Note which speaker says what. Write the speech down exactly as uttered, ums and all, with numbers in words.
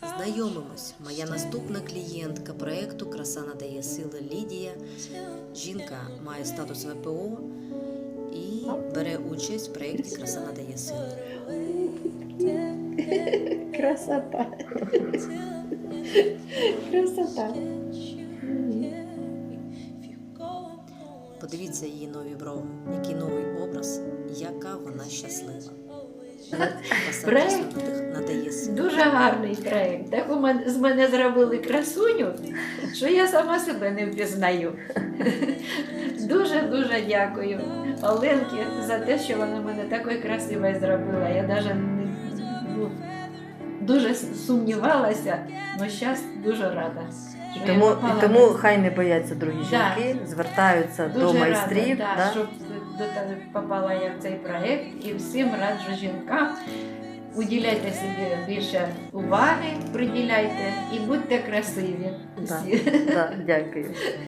Speaker 1: Знайомимось. Моя наступна клієнтка проєкту «Краса надає сили» Лідія. Жінка має статус ВПО і бере участь в проєкті «Краса надає сили».
Speaker 2: Красота. Красота.
Speaker 1: Подивіться її нові брови, який новий образ, яка вона щаслива. Краса
Speaker 2: Проект
Speaker 1: дійсно надає сили.
Speaker 2: Дуже гарний проєкт. Так у мене, з мене зробили красуню, що я сама себе не впізнаю. Дуже-дуже дякую Оленці за те, що вона мене такою красивою зробила. Я навіть не, ну, дуже сумнівалася, але зараз дуже рада.
Speaker 3: І
Speaker 2: що я
Speaker 3: тому,
Speaker 2: попала
Speaker 3: і тому
Speaker 2: на-
Speaker 3: хай не бояться другі
Speaker 2: Да.
Speaker 3: жінки, звертаються
Speaker 2: Дуже
Speaker 3: до майстрів.
Speaker 2: рада,
Speaker 3: да?
Speaker 2: да, щоб до тебе попала я в цей проєкт, і всім раджу жінкам. Уділяйте собі більше уваги, приділяйте і будьте красиві
Speaker 3: Да.
Speaker 2: всі.
Speaker 3: Да, дякую.